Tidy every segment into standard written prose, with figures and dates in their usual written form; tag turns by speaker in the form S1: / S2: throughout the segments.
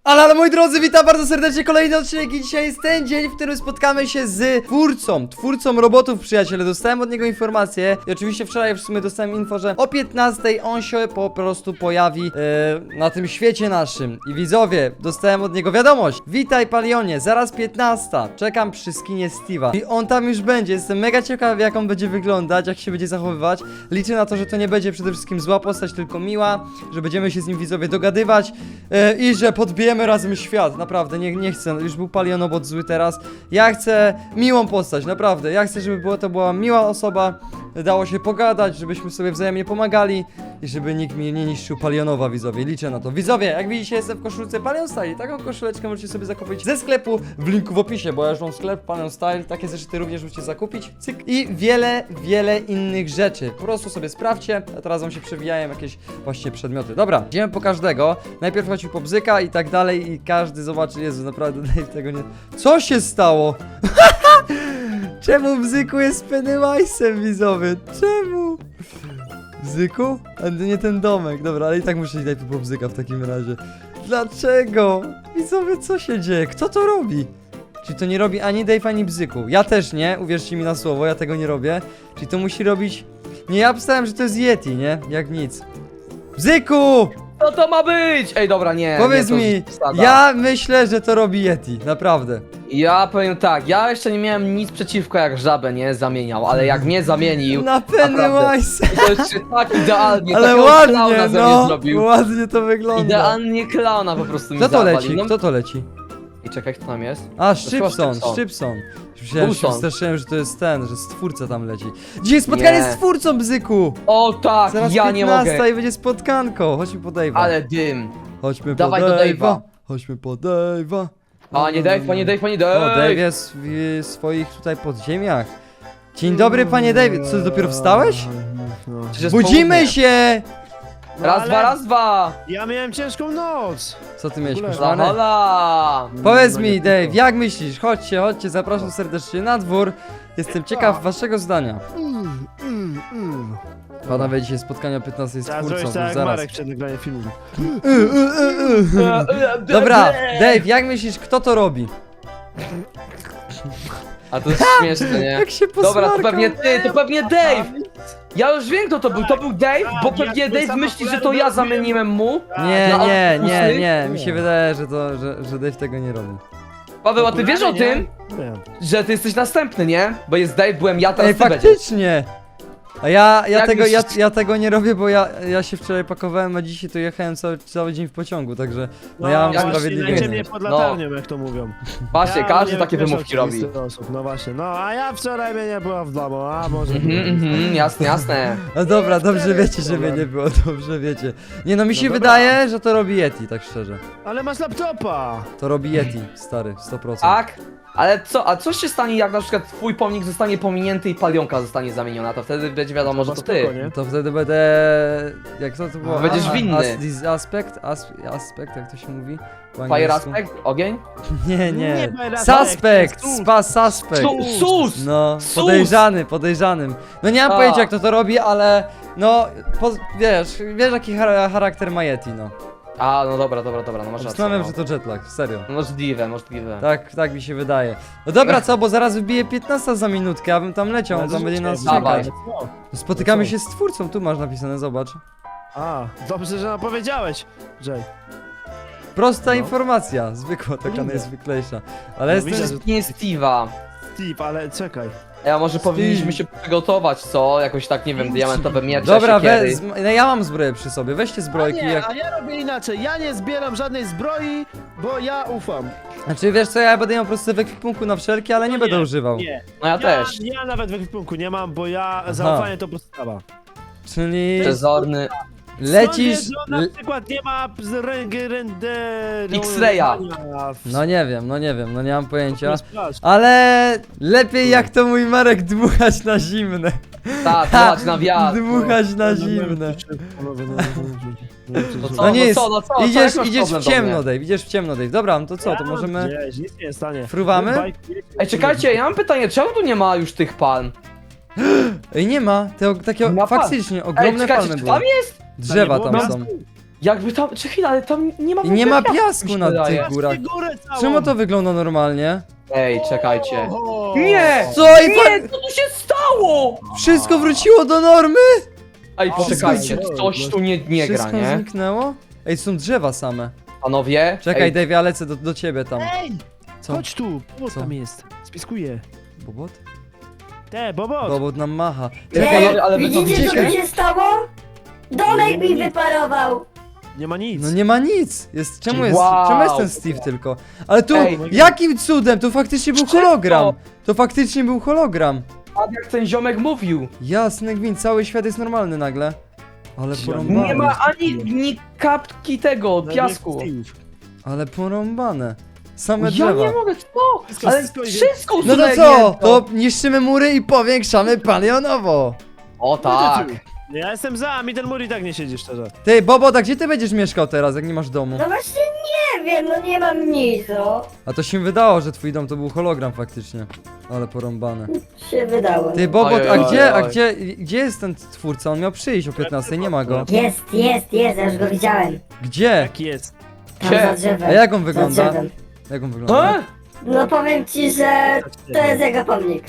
S1: Ale moi drodzy, witam bardzo serdecznie, kolejny odcinek i dzisiaj jest ten dzień, w którym spotkamy się z twórcą robotów, przyjaciele. Dostałem od niego informację i oczywiście wczoraj w sumie dostałem info, że o 15 on się po prostu pojawi na tym świecie naszym. I widzowie, dostałem od niego wiadomość: witaj Palionie, zaraz 15, czekam przy skinie Steve'a. I on tam już będzie, jestem mega ciekaw jak on będzie wyglądać, jak się będzie zachowywać. Liczę na to, że to nie będzie przede wszystkim zła postać, tylko miła, że będziemy się z nim, widzowie, dogadywać i że podbijemy razem świat. Naprawdę, nie chcę, już był Palionobot zły teraz. Ja chcę miłą postać, naprawdę. Ja chcę, żeby to była miła osoba, dało się pogadać, żebyśmy sobie wzajemnie pomagali i żeby nikt mi nie niszczył Palionowa, widzowie. Liczę na to. Widzowie, jak widzicie, jestem w koszulce Palion Style. Taką koszuleczkę możecie sobie zakupić ze sklepu w linku w opisie, bo ja już mam sklep Palion Style. Takie zeszyty również możecie zakupić. Cyk. I wiele innych rzeczy. Po prostu sobie sprawdźcie, a teraz wam się przewijają jakieś właśnie przedmioty. Dobra, idziemy po każdego. Najpierw chodził po bzyka i tak dalej i każdy zobaczy. Jezu, naprawdę Dave tego nie... Co się stało? Czemu Bzyku jest Pennywise'em, widzowie? Czemu? Bzyku? A nie ten domek, dobra, ale i tak muszę iść najpierw po Bzyka w takim razie. Dlaczego? Widzowie, co się dzieje? Kto to robi? Czyli to nie robi ani Dave, ani Bzyku. Ja też nie, uwierzcie mi na słowo, ja tego nie robię. Czyli to musi robić... Nie, ja obstałem, że to jest Yeti, nie? Jak nic. Bzyku!
S2: Co to ma być? Ej, dobra, nie.
S1: Powiedz
S2: nie, to
S1: mi,
S2: już przesada.
S1: ja myślę, że to robi Yeti, naprawdę.
S2: Ja powiem tak, ja jeszcze nie miałem nic przeciwko, jak żabę, nie, zamieniał, ale jak mnie zamienił,
S1: Na Pennywise!
S2: to jeszcze tak idealnie,
S1: Ale
S2: takiego
S1: ładnie,
S2: klauna ze mnie
S1: no,
S2: zrobił.
S1: ładnie to wygląda.
S2: Idealnie klauna po prostu mi
S1: Kto to
S2: zawalił.
S1: leci?
S2: No,
S1: Kto to leci?
S2: I czekaj, kto tam jest?
S1: A,
S2: chyba
S1: Szczypson,
S2: Szczypson.
S1: Szczypson. Myślałem, że się
S2: Coulson.
S1: wystraszyłem, że to jest ten, że stwórca tam leci. Dzisiaj spotkanie
S2: Nie.
S1: z twórcą, Bzyku!
S2: O tak,
S1: Zaraz
S2: ja nie
S1: 15
S2: mogę.
S1: i będzie spotkanko. Chodźmy po Dave'a.
S2: Ale dym.
S1: Chodźmy
S2: Dawaj
S1: po
S2: do
S1: Dave'a.
S2: Dave'a.
S1: Chodźmy po Dave'a.
S2: Panie Dave, panie Dave, panie
S1: O,
S2: Dave.
S1: Dave jest w swoich tutaj podziemiach. Dzień dobry, panie Dave. Co, dopiero wstałeś?
S2: Przecież jest
S1: Budzimy
S2: południe.
S1: się!
S2: Raz,
S3: ale
S2: dwa, raz, dwa.
S3: Ja miałem ciężką noc.
S1: Co ty miałeś,
S3: W ogóle.
S1: koszmarne?
S2: Hola.
S1: Powiedz
S3: No
S1: mi,
S3: nie
S1: Dave,
S3: tylko.
S1: jak myślisz? Chodźcie, zapraszam serdecznie na dwór. Jestem ciekaw waszego zdania. Panowie, dzisiaj spotkanie o 15 z
S3: Teraz
S1: twórcą,
S3: zrobisz
S1: już
S3: tak jak
S1: zaraz.
S3: Marek przed nagraniem filmu.
S1: Dobra, Dave, jak myślisz, kto to robi?
S2: A to jest śmieszne, nie?
S1: Jak się
S2: Dobra, to
S1: posmarkał.
S2: pewnie ty, to pewnie Dave! Ja już wiem kto to był Dave, bo
S3: Ja
S2: pewnie
S3: to
S2: Dave
S3: samo
S2: myśli, że to ja zamieniłem mu.
S1: Nie,
S2: No,
S1: nie,
S2: a
S1: nie,
S2: pusty?
S1: nie, mi się wydaje, że Dave tego nie robi.
S2: Paweł, a ty wiesz o tym,
S3: Nie.
S2: że ty jesteś następny, nie? Bo jest Dave, byłem ja, teraz
S1: Ej,
S2: ty będziesz.
S1: faktycznie! A ja
S2: Jak myślisz?
S1: tego nie robię, bo ja się wczoraj pakowałem, a dzisiaj to jechałem cały dzień w pociągu, także no ja mam
S2: jak
S1: sprawiedliwie.
S3: Lecie mnie pod
S2: No.
S3: latarnią, jak to mówią.
S2: Właśnie,
S3: Ja
S2: każdy
S3: nie
S2: takie
S3: wiem,
S2: wymówki
S3: wiesz,
S2: robi.
S3: oczywistych osób. No właśnie, no a ja wczoraj mnie nie była w domu, a może...
S2: Jasne, jasne.
S1: No dobra, dobrze wiecie, że mnie nie było, dobrze wiecie. Nie no, mi się
S3: dobra.
S1: wydaje, że to robi Yeti, tak szczerze.
S3: Ale masz laptopa!
S1: To robi Yeti, stary, 100%.
S2: Tak? Ale co, a co się stanie, jak na przykład twój pomnik zostanie pominięty i palionka zostanie zamieniona, to wtedy będzie wiadomo, że to
S3: Spoko,
S2: ty.
S3: nie?
S1: To wtedy będę... Jak to było?
S2: Będziesz winny.
S1: Aspekt, jak to się mówi? Po
S2: Fire
S1: angielsku?
S2: aspect? Ogień?
S1: Nie,
S3: Nie,
S1: nie.
S3: fire aspect,
S1: Suspect!
S3: sus.
S1: Suspect!
S2: Sus!
S1: No,
S2: Sus!
S1: podejrzanym. No nie mam
S2: A.
S1: pojęcia jak to robi, ale... No, wiesz jaki charakter ma Yeti, no.
S2: A, no dobra, no masz rację.
S1: Zastanawiam,
S2: No.
S1: że to jetlag, serio.
S2: Możliwe.
S1: Tak mi się wydaje. No dobra, co, bo zaraz wybije 15 za minutkę, ja bym tam leciał, on tam będzie nas
S2: Dawaj.
S1: czekać.
S3: Co?
S1: Spotykamy
S3: Co?
S1: się z twórcą, tu masz napisane, zobacz.
S3: A, dobrze, że nam powiedziałeś, Jay.
S1: Prosta
S3: No.
S1: informacja, zwykła, taka
S3: Lubię.
S1: najzwyklejsza. Ale
S3: No,
S1: jestem...
S3: widzę,
S2: Nie Steve'a.
S3: Steve, ale czekaj.
S2: A może powinniśmy się przygotować, co? Jakoś tak, nie wiem, diamentowe miecze,
S1: Dobra,
S2: siekiery.
S1: no ja mam zbroję przy sobie, weźcie
S3: A
S1: zbrojki,
S3: nie,
S1: jak...
S3: a ja robię inaczej, ja nie zbieram żadnej zbroi, bo ja ufam.
S1: Znaczy wiesz co, ja będę miał po prostu w ekwipunku na wszelkie, ale nie będę używał.
S3: Nie,
S2: No ja też.
S3: Ja nawet w ekwipunku nie mam, bo ja zaufanie to podstawa.
S1: Czyli
S2: Przezorny.
S1: lecisz...
S3: Skąd wiesz, że on na przykład nie ma
S2: X-raya.
S1: No nie wiem, no nie mam pojęcia. Ale lepiej jak to mój Marek dmuchać na zimne.
S2: Tak, dać na wiatr.
S1: Dmuchać na zimne.
S2: No co,
S1: No nie jest,
S2: no co,
S1: idziesz,
S2: jak masz
S1: idziesz
S2: problem
S1: w
S2: do
S1: ciemno,
S2: mnie?
S1: Dave, idziesz w ciemno, Dave. Dobra, no to co, to możemy...
S3: Gdzieś, nic nie jest stanie.
S1: Fruwamy?
S2: Ej, czekajcie, ja mam pytanie, czemu tu nie ma już tych palm?
S1: Ej, nie ma, te takie
S2: Ma pan.
S1: faktycznie
S2: Ej,
S1: ogromne
S2: czekajcie,
S1: palmy
S2: czy
S1: były.
S2: tam jest?
S1: Drzewa
S3: Tam
S1: tam
S3: nie
S1: są.
S3: było?
S2: Jakby tam, czy chwila, ale tam nie ma w
S1: I nie
S2: ogóle
S1: ma
S2: mi
S1: piasku
S2: się
S1: na
S2: wydaje.
S1: tych górach.
S3: Górę całą.
S1: Czemu to wygląda normalnie?
S2: Ej, czekajcie.
S3: O!
S2: Nie!
S1: Co? I
S2: Nie, co tu się stało?
S1: wszystko wróciło do normy?
S2: Ej, poczekajcie,
S3: wszystko-
S2: coś tu nie gra,
S1: Wszystko
S2: nie?
S1: zniknęło? Ej, są drzewa same.
S2: Panowie?
S1: Czekaj,
S2: ej,
S1: Dave, ja lecę do ciebie tam.
S3: Ej,
S1: Co?
S3: chodź tu, Bobot
S1: Co?
S3: tam jest. Spiskuję.
S1: Bobot?
S3: Bobot.
S1: Bobot nam macha.
S2: Czekaj,
S4: Nie,
S2: ale wy to
S4: widzicie co
S2: widzicie?
S4: się stało? Domek mi wyparował.
S3: Nie ma nic.
S1: No nie ma nic. Czemu
S2: Wow.
S1: jest ten Steve tylko? Ale tu,
S2: Ej.
S1: jakim cudem? To faktycznie był
S2: Wszystko.
S1: hologram. To faktycznie był hologram.
S2: Tak jak ten ziomek mówił.
S1: Jasny gwint, cały świat jest normalny nagle. Ale porąbane.
S2: Nie ma ani kapki tego,
S3: Nawet
S2: piasku.
S3: Steve.
S1: Ale porąbane. Same
S2: Ja
S1: drzewa.
S2: nie mogę, co?
S3: Wszystko
S2: Ale
S3: idzie.
S2: wszystko
S1: No to
S2: usunęli
S1: co?
S2: jedno.
S1: To niszczymy mury i powiększamy palionowo.
S2: O tak.
S3: Ja jestem za, mi ten mur i tak nie siedzi szczerze.
S1: Ty, Bobot, a gdzie ty będziesz mieszkał teraz, jak nie masz domu?
S4: No właśnie nie wiem, no nie mam nic, no.
S1: A to się wydało, że twój dom to był hologram faktycznie. Ale porąbane.
S4: Się wydało.
S1: Ty, Bobot,
S2: Oj,
S1: a
S2: oj,
S1: gdzie,
S2: oj.
S1: gdzie jest ten twórca? On miał przyjść o 15, nie ma go.
S4: Jest, ja już go widziałem.
S1: Gdzie?
S3: Jaki jest?
S4: Tam
S2: Gdzie?
S4: za drzewem.
S1: A jak on
S4: Za
S1: wygląda?
S4: drzewem.
S1: Jak on wygląda?
S2: E?
S4: No powiem ci, że to jest jego pomnik.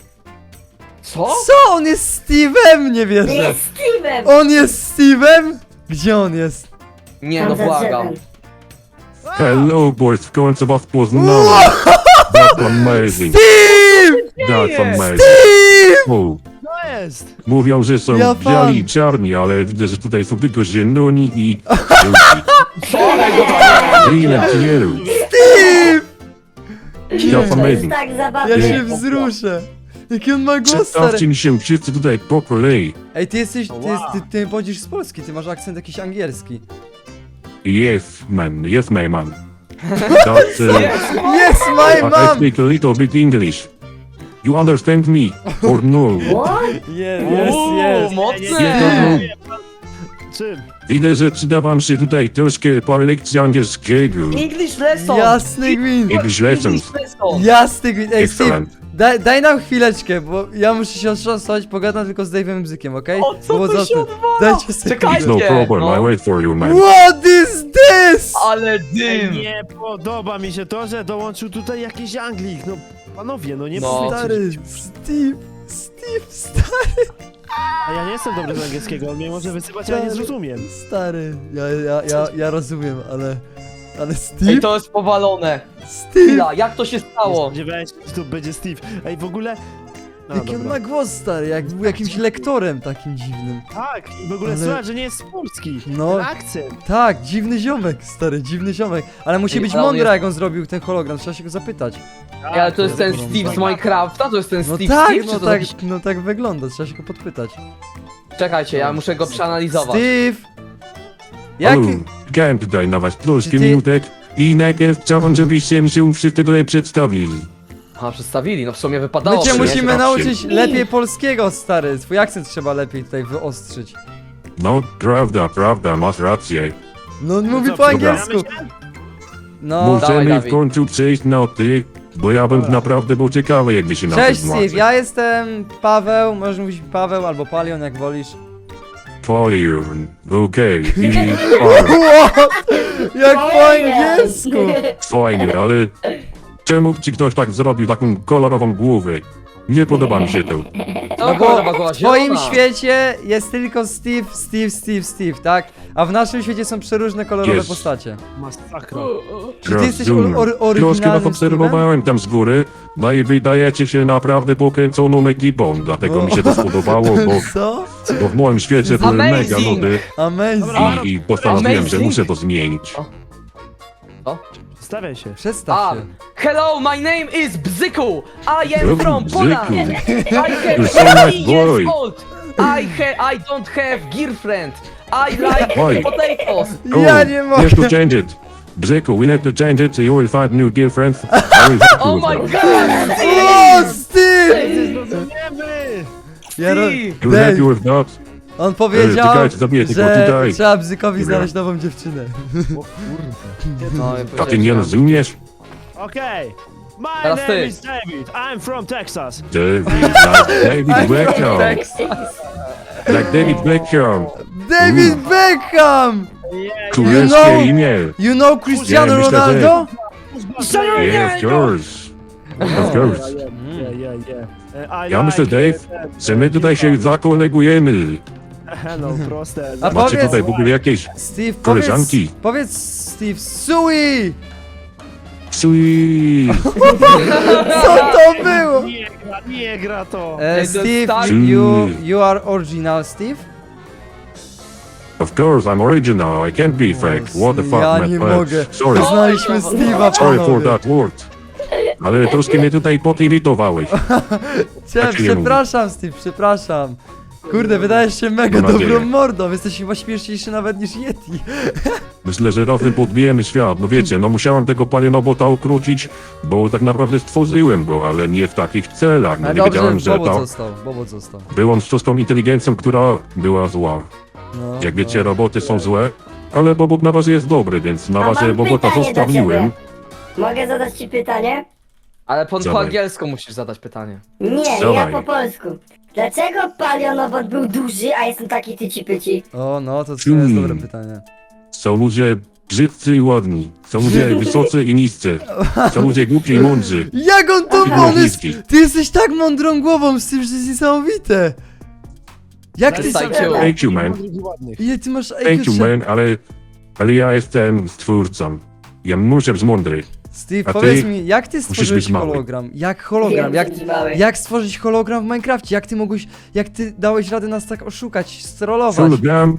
S2: Co?
S1: Co? On jest Steve'em? Nie wierzę.
S4: Jest Steve'em.
S1: On jest Steve'em? Gdzie on jest?
S2: Nie,
S4: Tam
S2: no
S4: za
S2: błagam.
S4: drzewem.
S5: Hello, boys. Going to was was now. That's amazing.
S1: Steve!
S5: That's amazing.
S1: Steve!
S5: O,
S3: To jest!
S5: mówią, że są
S1: Ja
S5: biali i
S1: fan.
S5: czarni, ale widzę, że tutaj są tylko zieloni i...
S2: Co? Ej,
S5: Green and yellow.
S1: Steve!
S5: That's
S4: To jest
S5: amazing.
S4: tak
S1: Ja
S4: zabawne.
S1: się wzruszę. Jaki on ma głos, stary.
S5: Przedstawcie się wszyscy tutaj po kolei.
S1: Ej, ty jesteś,
S3: Wow.
S1: ty pochodzisz z Polski, ty masz akcent jakiś angielski.
S5: Yes, man. Yes, my man. That's,
S1: Yes, my
S5: I
S1: mom!
S5: speak a little bit English. You understand me? Or no?
S4: What?
S1: Yes,
S2: Uuu,
S1: yes.
S2: mocne.
S3: Czym?
S5: Widzę, że przyda wam się tutaj troszkę parę lekcji angielskiego.
S2: English lesson.
S1: Jasny gwint.
S5: English lessons.
S2: English lesson.
S1: Jasny gwint. Ej, Steve,
S5: Excellent.
S1: daj nam chwileczkę, bo ja muszę się otrząsnąć, pogadam tylko z Dave'em Bzykiem, okej?
S2: O, co
S1: Było
S2: tu
S1: za
S2: się
S1: tym.
S2: odwala?
S1: Dajcie sobie.
S2: Czekaj.
S5: It's no problem.
S2: No.
S5: I wait for you, man.
S1: What is this?
S2: Ale dym.
S3: Nie podoba mi się to, że dołączył tutaj jakiś Anglik. No panowie, no nie
S2: No.
S3: no.
S1: Stary, Steve, stary,
S3: A ja nie jestem dobry z angielskiego, on mnie może wysypać, a ja nie zrozumiem.
S1: stary. Ja rozumiem, ale
S2: Ej,
S1: Steve?
S2: to jest powalone.
S1: Steve?
S2: Chwila, jak to się
S3: Nie
S2: stało?
S3: spodziewałem się, że tu będzie Steve. Ej, w ogóle... No,
S1: Jaki on
S3: dobra.
S1: ma głos, stary, jak był jakimś lektorem takim dziwnym.
S3: Tak, i w ogóle
S1: Ale-
S3: słuchaj, że nie jest z Polski.
S1: No.
S3: Ten akcent.
S1: Tak, dziwny ziomek, stary, dziwny ziomek. Ale musi
S2: Ej,
S1: być
S2: ale on
S1: mądry,
S2: jest-
S1: jak on zrobił ten hologram, trzeba się go zapytać.
S2: Ej, ale to jest ten
S1: porąbane.
S2: Steve z Minecrafta? To jest ten
S1: No
S2: Steve
S1: tak,
S2: Steve, czy to jakiś...
S1: no tak wygląda, trzeba się go podpytać.
S2: Czekajcie, ja muszę go przeanalizować.
S1: Steve! Jak...
S5: Halo, czekałem tutaj na was troszkę
S1: Ty-
S5: minutek i najpierw chciałbym, żebyście się wszyscy tutaj przedstawili.
S2: Aha, przedstawili, no w sumie wypadało.
S1: My cię
S5: nie?
S1: musimy
S5: Nie.
S1: nauczyć lepiej polskiego, stary. Twój akcent trzeba lepiej tutaj wyostrzyć.
S5: No, prawda, masz rację.
S1: No on mówi
S3: co,
S1: po
S3: dobra.
S1: angielsku. No.
S2: Dawaj,
S5: Możemy
S2: Dawid.
S5: w końcu przejść na ty, bo ja bym naprawdę był ciekawy, jakby się na
S1: Cześć
S5: tym
S1: Steve, ja jestem Paweł, możesz mówić Paweł albo Palion, jak wolisz.
S5: Fire, okej, i
S1: What? Jak po angielsku!
S5: fajnie, ale czemu ci ktoś tak zrobił taką kolorową głowę? Nie podoba mi się to.
S1: No bo w twoim świecie jest tylko Steve, tak? A w naszym świecie są przeróżne kolorowe
S5: Jest.
S1: postacie.
S3: Masakra.
S1: Czy ty jesteś
S5: Rozumiem. Troszkę was
S1: oryginalnym
S5: obserwowałem tam z góry, no i wydajecie się naprawdę pokręconą ekipą, dlatego mi się to spodobało,
S1: Co?
S5: bo w moim świecie były
S2: Amazing.
S5: mega nudy
S1: Amazing.
S5: i postanowiłem, że
S2: Amazing.
S5: muszę to zmienić.
S3: Stawiaj się.
S1: Przestaw się.
S2: Hello, my name is Bzyku. I am
S5: Bzyku,
S2: from Poland.
S5: Bzyku.
S2: I have
S5: You're so nice
S2: 3 years
S5: boy.
S2: old. I don't have girlfriend. I like
S5: Why?
S2: potatoes.
S1: Ja nie
S5: We have to
S1: mogę.
S5: change it. Bzyku, we have to change it so you will find new girlfriends. I will help you
S2: Oh
S5: with
S2: my
S5: that.
S2: god.
S1: O, Steve!
S3: Zrozumiemy!
S1: Ja ro...
S2: Steve.
S5: I will help you with that.
S1: On powiedział,
S5: czekajcie, zabiję tylko
S1: że
S5: tutaj.
S1: trzeba Bzykowi
S5: Dobra.
S1: znaleźć nową dziewczynę.
S2: No,
S5: A ty nie rozumiesz?
S3: Okej. My
S2: Teraz
S3: name
S2: ty.
S3: is David. I'm from Texas.
S5: David, nice. David, welcome.
S1: Texas.
S5: Jak David Beckham.
S1: David Beckham!
S5: Królewskie
S1: know-
S5: imię.
S1: You know Cristiano
S5: Ja myślę, że-
S1: Ronaldo?
S5: Yeah, of course. Of course. Ja myślę, Dave, że my tutaj się zakolegujemy.
S3: No proste.
S1: A
S5: Macie
S1: powiedz-
S5: tutaj w ogóle jakieś
S1: Steve,
S5: Koleżanki.
S1: powiedz Steve, Sui!
S5: sui?
S1: Co to było?
S3: Nie gra to.
S2: Ej, to
S1: Steve,
S2: jest tak-
S1: you are original, Steve?
S5: Of course, I'm original. I can't be fake. What the fuck,
S1: Ja
S5: man?
S1: nie mogę.
S5: Sorry.
S1: Poznaliśmy Steve'a,
S5: Sorry for
S1: panowie.
S5: that word. Ale troszkę mnie tutaj potiritowałeś. tak się nie
S1: Przepraszam, Steve, przepraszam. Kurde, wydajesz się mega
S5: Mam nadzieję.
S1: dobrą mordą, jesteś chyba śmieszniejszy nawet niż Yeti.
S5: Myślę, że razem podbijemy świat. No wiecie, no musiałem tego palionobota ukrócić, bo tak naprawdę stworzyłem go, ale nie w takich celach. No
S1: Ale
S5: nie
S1: dobrze,
S5: wiedziałem, że
S1: Bobo
S5: to
S1: został, Bobo został.
S5: był on sztuczną inteligencją, która była zła.
S1: No,
S5: Jak wiecie, roboty są złe, ale Bobot na razie jest dobry, więc na
S4: A
S5: razie
S4: mam
S5: Bobota
S4: pytanie do
S5: zostawiłem.
S4: ciebie. Mogę zadać ci pytanie?
S2: Ale po
S5: Zadaj.
S2: angielsku musisz zadać pytanie.
S4: Nie, ja
S5: Dawaj.
S4: po polsku. Dlaczego palionobot był duży, a jestem taki tyci-pyci?
S1: O, no, to jest dobre
S5: Hmm.
S1: pytanie.
S5: Są ludzie brzydcy i ładni, są ludzie wysocy i niscy, są ludzie głupi i mądrzy.
S1: Jak on to
S5: I
S1: on jest,
S5: niski.
S1: ty jesteś tak mądrą głową z tym, że to jest niesamowite. Jak ty...
S2: Daj,
S4: Daj,
S5: Thank you, man.
S1: Ile ty masz
S5: Thank
S1: IQ?
S5: you, man, ale ja jestem stwórcą. Ja muszę być mądry.
S1: Steve,
S5: A ty
S1: powiedz mi, jak ty
S5: musisz
S1: stworzyłeś
S5: być mały.
S1: hologram? Jak hologram? Jak, jak stworzyć hologram w Minecrafcie? Jak ty mogłeś, jak ty dałeś radę nas tak oszukać, strollować?
S5: Hologram,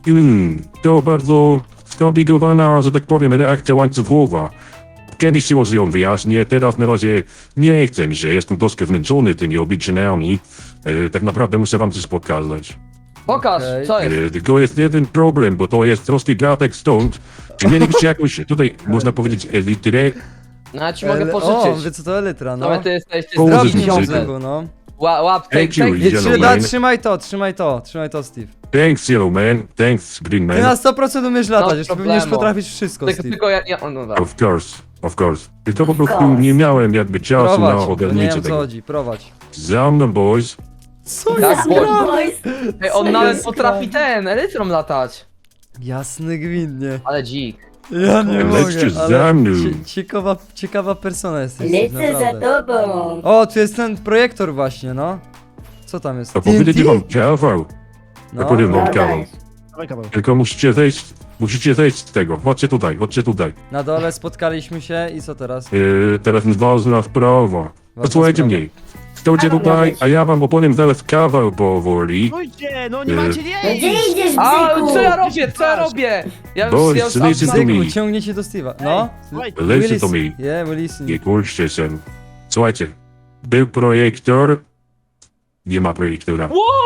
S5: to bardzo skomplikowana, że tak powiem, reakcja łańcuchowa. Kiedyś się może ją wyjaśnię, teraz na razie nie chcę mi się, jestem troszkę zmęczony tymi obliczeniami. Tak naprawdę muszę wam coś pokazać.
S2: Pokaż,
S1: Okej.
S2: co jest?
S5: Tylko jest jeden problem, bo to jest troszkę gatek stąd. Czy mielibyście jakąś, tutaj można powiedzieć, elitrę?
S2: No ja ci mogę
S1: O,
S2: pożyczyć.
S1: wie co to elytra, no.
S2: No ty jesteś
S5: Położyć
S1: Zdrowni
S5: mi
S2: zdrowni
S5: życie.
S1: mózgu, no.
S2: Łap, tej,
S5: Thank you,
S2: tej.
S1: Nie,
S5: Yellow man.
S1: trzymaj to, Steve.
S5: Thanks, Yellow Man. Thanks, Green
S1: Ty na
S5: Man.
S1: 100% umiesz latać, już
S2: problemu.
S1: powinieneś potrafić wszystko,
S2: Tylko,
S1: Steve.
S2: tylko ja nie, no dobra.
S5: Of course. I to po prostu nie miałem jakby czasu na
S1: Prowadź, bo nie
S5: ogarnięcie
S1: wiem co
S5: tego.
S1: chodzi, prowadź.
S5: Za mną, boys.
S1: Co
S2: Tak,
S1: jest
S2: bo-
S1: grane?
S4: Boys,
S2: Ej, on
S1: Co
S2: nawet
S1: jest
S2: potrafi ten, elytrą latać.
S1: Jasny gwintnie.
S2: Ale dzik.
S1: Ja nie
S5: Lećcie
S1: mogę,
S5: za
S1: ale
S5: mną.
S1: ciekawa persona jesteś, Steve,
S4: lecę za
S1: naprawdę.
S4: tobą.
S1: O, tu jest ten projektor właśnie, no. Co tam jest?
S5: To powiedzieć
S1: TNT?
S5: wam kawał.
S1: No.
S5: powiem wam
S4: No,
S5: kawał.
S4: daj.
S3: Dawaj kawał.
S5: Tylko musicie zejść z tego. Chodźcie tutaj.
S1: Na dole spotkaliśmy się i co teraz?
S5: Teraz ważna sprawa. Posłuchajcie
S1: sprawa.
S5: mnie. Stołcie
S4: A mam
S5: tutaj,
S4: być.
S5: a ja wam opowiem zaraz kawał powoli.
S3: Stójcie, no nie macie
S4: No
S3: nie
S4: gdzie
S3: iść.
S4: idziesz,
S2: A,
S4: bzyku?
S2: co ja robię, co ja robię? Ja
S5: Boys,
S2: już
S5: listen to
S1: Zyku,
S5: me.
S1: ciągniecie do Steve'a. No.
S3: Słuchaj,
S5: Listen to me.
S1: Yeah, we listen.
S5: Nie kurczcie się. Słuchajcie. Był projektor. Nie ma projektora.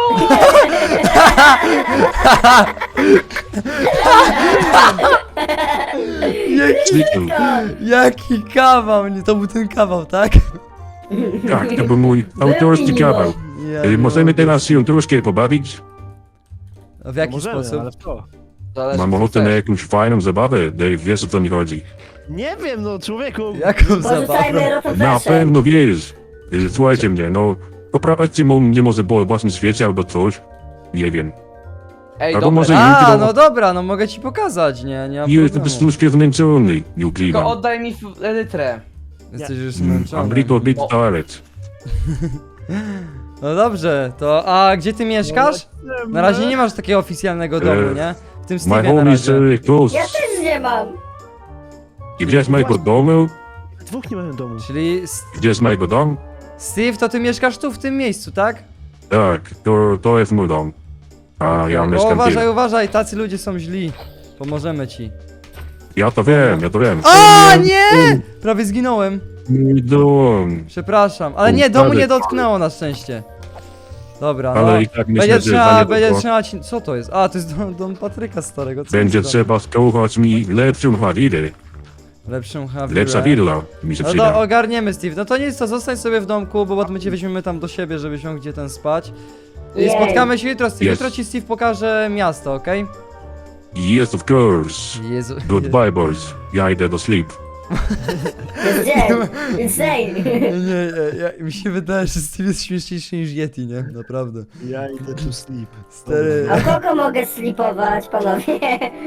S5: Zniknął.
S1: Jaki kawał, nie, to był ten kawał, tak?
S5: Tak, to był mój autorski kawał.
S1: Ja nie
S5: Możemy
S1: mogę.
S5: teraz się troszkę pobawić?
S1: A w jaki
S3: możemy,
S1: sposób?
S3: ale w co?
S2: Zależy,
S5: Mam
S2: co
S5: ochotę na
S2: chcesz.
S5: jakąś fajną zabawę. Dave, wiesz o co mi chodzi.
S3: Nie wiem, no człowieku.
S1: Jaką
S4: Porzucajmy
S1: zabawę?
S5: Na
S4: rotoflesze.
S5: pewno wiesz. Słuchajcie mnie, no. Poprawiajcie mnie może po własnym świecie albo coś. Nie wiem.
S2: Ej,
S5: Albo
S2: dobra,
S5: może
S1: A,
S5: jutro.
S1: no dobra, no mogę ci pokazać, nie ma
S5: Nie, jestem po
S1: problemu.
S5: prostu troszkę zmęczony. Nie
S2: tylko
S5: ukrywam.
S2: oddaj mi elytrę.
S1: Jesteś już
S5: I'm
S1: zmęczony.
S5: little tired.
S1: No dobrze, to a gdzie ty mieszkasz? Na razie nie masz takiego oficjalnego domu, nie? W tym
S5: My
S1: Steve'ie na
S5: home is
S1: razie.
S5: close.
S4: Ja też nie mam.
S5: I gdzie jest mojego domu?
S3: Dwóch nie mają domu.
S1: Czyli
S5: Gdzie jest mojego domu?
S1: Steve, to ty mieszkasz tu w tym miejscu, tak?
S5: Tak, to jest mój dom. A ja
S1: O,
S5: mieszkam
S1: uważaj,
S5: tu.
S1: uważaj, tacy ludzie są źli. Pomożemy ci.
S5: Ja to wiem.
S1: O nie! Prawie zginąłem.
S5: Mój dom.
S1: Przepraszam, ale nie, domu nie dotknęło na szczęście. Dobra, no.
S5: Ale i tak myślę,
S1: Będzie
S5: że za
S1: trzeba,
S5: niedługo
S1: będzie trzeba ci... Co to jest? A, to jest dom Patryka starego. Co
S5: będzie
S1: to za-
S5: trzeba skołać mi lepszą hawirę.
S1: Lepszą hawirę.
S5: Lepsza willa mi się
S1: No to
S5: przyda.
S1: ogarniemy, Steve. No to nic, to zostań sobie w domku, bo my cię weźmiemy tam do siebie, żebyś mógł gdzie ten spać. I
S4: Jej.
S1: spotkamy się jutro, Steve.
S5: Yes.
S1: Jutro ci Steve pokaże miasto, okej?
S5: Yes, of course.
S1: Jezu.
S5: Goodbye, boys. Ja idę do sleep.
S4: Jest dzień. Insane.
S1: Mi się wydaje, że Steve jest śmieszniejszy niż Yeti, nie? Naprawdę.
S3: Ja idę tu sleep.
S1: Stary.
S4: A kogo mogę slipować, panowie?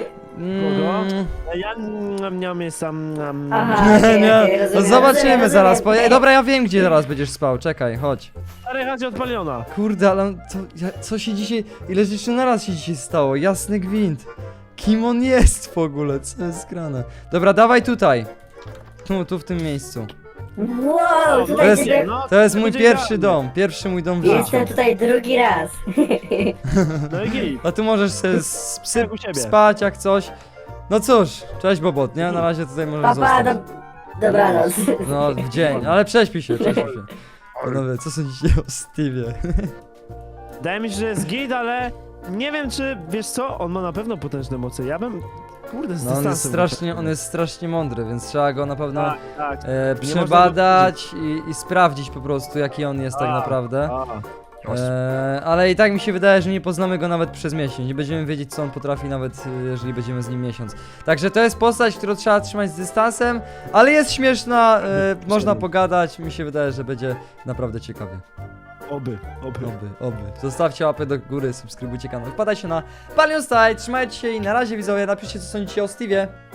S3: Ja nie mam sam.
S4: Aha, okej,
S1: Nie,
S4: okej,
S1: no
S4: rozumiem,
S1: zobaczymy
S4: rozumiem,
S1: zaraz.
S4: rozumiem.
S1: Dobra, ja wiem, gdzie zaraz będziesz spał. Czekaj, chodź.
S3: Stary, chodź od Paliona.
S1: Kurde, ale co się dzisiaj... Ile rzeczy naraz się dzisiaj stało? Jasny gwint. Kim on jest w ogóle? Co jest grane? Dobra, dawaj tutaj. Tu w tym miejscu.
S4: Wow,
S1: To
S4: tutaj
S1: jest,
S4: ciebie...
S1: to jest mój
S3: będzie
S1: pierwszy
S3: idealnie.
S1: dom. Pierwszy mój dom w życiu.
S4: Jestem tutaj drugi raz.
S3: No i git.
S1: A tu możesz sobie
S3: Jak u siebie.
S1: spać jak coś. No cóż, cześć Bobot, nie? Na razie tutaj możesz
S4: Papa,
S1: zostać.
S4: dobranoc.
S1: No, w dzień, ale prześpij się. Panowie, co sądzicie o Steve'ie?
S3: Wydaje mi się, że jest git, ale nie wiem czy, wiesz co, on ma na pewno potężne moce. Ja bym, kurde, z
S1: No
S3: dystansem.
S1: on jest strasznie mądry, więc trzeba go na pewno
S3: Tak, tak.
S1: przebadać i sprawdzić po prostu, jaki on jest tak
S3: A,
S1: naprawdę.
S3: A,
S1: Ale i tak mi się wydaje, że nie poznamy go nawet przez miesiąc. Nie będziemy wiedzieć, co on potrafi, nawet jeżeli będziemy z nim miesiąc. Także to jest postać, którą trzeba trzymać z dystansem, ale jest śmieszna, można pogadać. Mi się wydaje, że będzie naprawdę ciekawie.
S3: oby.
S1: Oby. Zostawcie łapę do góry, subskrybujcie kanał. Wpadajcie na Palion Style, trzymajcie się i na razie widzowie, napiszcie, co sądzicie o Steve'ie.